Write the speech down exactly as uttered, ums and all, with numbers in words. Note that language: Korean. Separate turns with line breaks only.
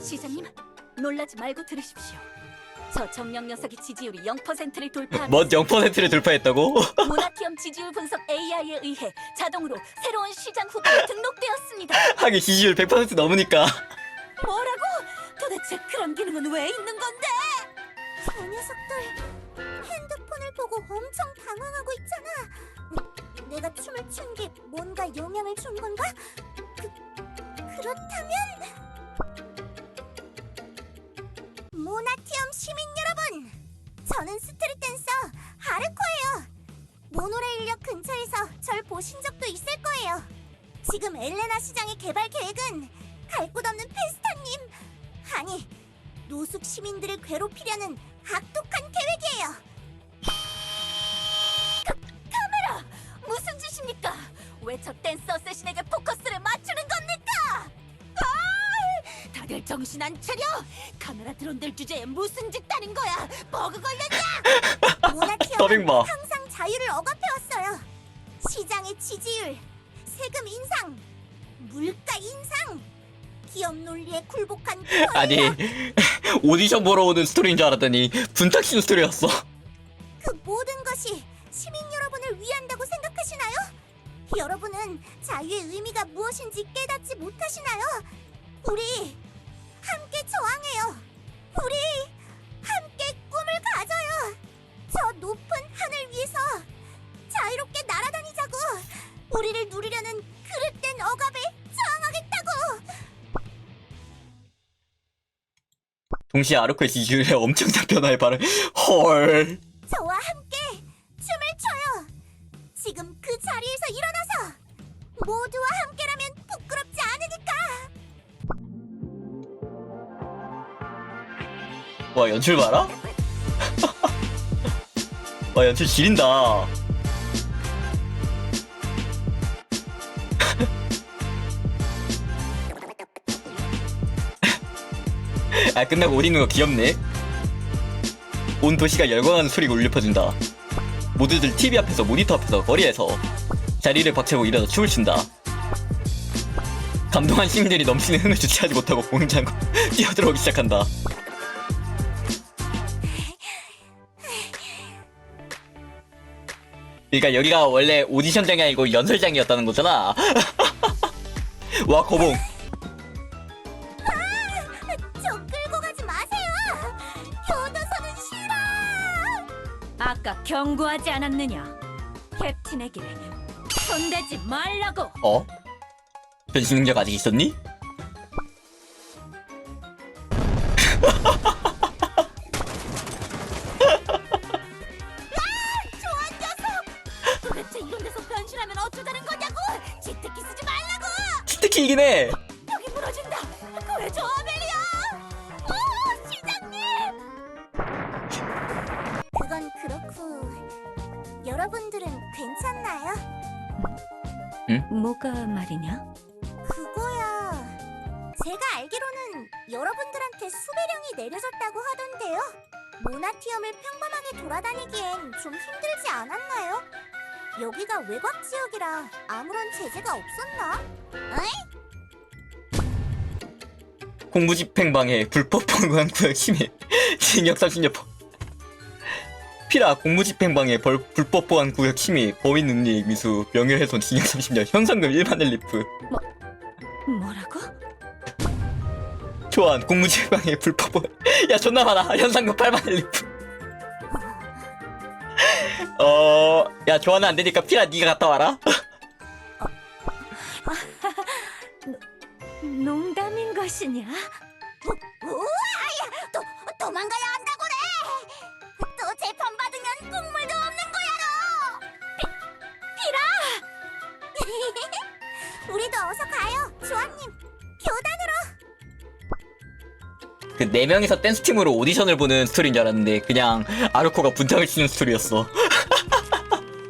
시장님, 놀라지 말고 들으십시오. 저 정령 녀석의 지지율이 영 퍼센트를 돌파하면서
뭔 영 퍼센트를 돌파했다고?
모나티엄 지지율 분석 에이아이에 의해 자동으로 새로운 시장 후보에 등록되었습니다.
하긴 지지율 백 퍼센트 넘으니까.
뭐라고? 도대체 그런 기능은 왜 있는 건데? 저 녀석들 핸드폰을 보고 엄청 당황하고 있잖아. 내가 춤을 춘 게 뭔가 영향을 준 건가? 그, 그렇다면 모나티엄 시민 여러분, 저는 스트릿 댄서 하르코예요. 모노레일역 근처에서 절 보신 적도 있을 거예요. 지금 엘레나 시장의 개발 계획은 갈 곳 없는 페스타님, 아니 노숙 시민들을 괴롭히려는 악독한 계획이에요. 카, 카메라! 무슨 짓입니까? 왜 저 댄서 세신에게 포커스를 맞추는 겁니까? 아! 다들 정신 안 차려! 카메라 드론들 주제에 무슨 짓 하는 거야? 버그 걸렸냐? 모나티엄은
더빙 봐.
항상 자유를 억압해왔어요. 시장의 지지율, 세금 인상, 물가 인상, 기업 논리에 굴복한 권력.
아니 오디션 보러 오는 스토리인 줄 알았더니 분탁신 스토리였어.
그 모든 것이 시민 여러분을 위한다고 생각하시나요? 여러분은 자유의 의미가 무엇인지 깨닫지 못하시나요? 우리 함께 저항해요. 우리 함께 꿈을 가져요. 저 높은 하늘 위에서 자유롭게 날아다니자고. 우리를 누리려는 그릇된 억압에 저항하겠다고.
동시에 아르코의 지지율에 엄청난 변화에 발을. 헐.
저와 함께 춤을 춰요. 지금 그 자리에서 일어나서 모두와 함께라면 부끄럽지 않으니까.
와 연출 봐라. 와 연출 지린다. 아 끝나고 옷 입는 거 귀엽네. 온 도시가 열광하는 소리가 울려 퍼진다. 모두들 티비 앞에서 모니터 앞에서 거리에서 자리를 박차고 일어나 춤을 춘다. 감동한 시민들이 넘치는 흥을 주체하지 못하고 공장으로 뛰어들어오기 시작한다. 그러니까 여기가 원래 오디션장이 아니고 연설장이었다는 거잖아. 와 거봉.
저 끌고 가지 마세요. 교도소는 싫어. 아까 경고하지 않았느냐? 캡틴에게 손대지 말라고.
어? 변신 능력 아직 있었니?
좋은 녀석! 도대체 이런 데서 변신하면 어쩌자는 거냐고! 지특기 쓰지 말라고!
특히 이긴 해.
벽이 무너진다! 구해줘, 아멜리아! 오, 시장님! 그건 그렇고 여러분들은 괜찮나요?
응?
뭐가 말이냐? 그거야... 제가 알기로는 여러분들한테 수배령이 내려졌다고 하던데요? 모나티엄을 평범하게 돌아다니기엔 좀 힘들지 않았나요? 여기가 외곽 지역이라 아무런 제재가 없었나? 에이?
공무집행방해 불법 방관 구역 침해 징역 삼십 년. 피라 공무집행방해 벌 불법 보안 구역 침해 범인 능력 미수 명예훼손 징역 삼십 년 현상금 일만 렐리프.
뭐라고?
초안 공무집행방해 불법 보안. 야 존나 많아. 현상금 팔만 렐리프. 어... 야 조안은 안되니까 피라 니가 갔다 와라.
농담인 것이냐? 우와야! 도, 도망가야 한다고래! 또 재판받으면 국물도 없는 거야로! 피, 피라! 우리도 어서 가요, 조아님! 교단으로!
그 네 명이서 댄스팀으로 오디션을 보는 스토리인 줄 알았는데 그냥 아르코가 분장을 치는 스토리였어.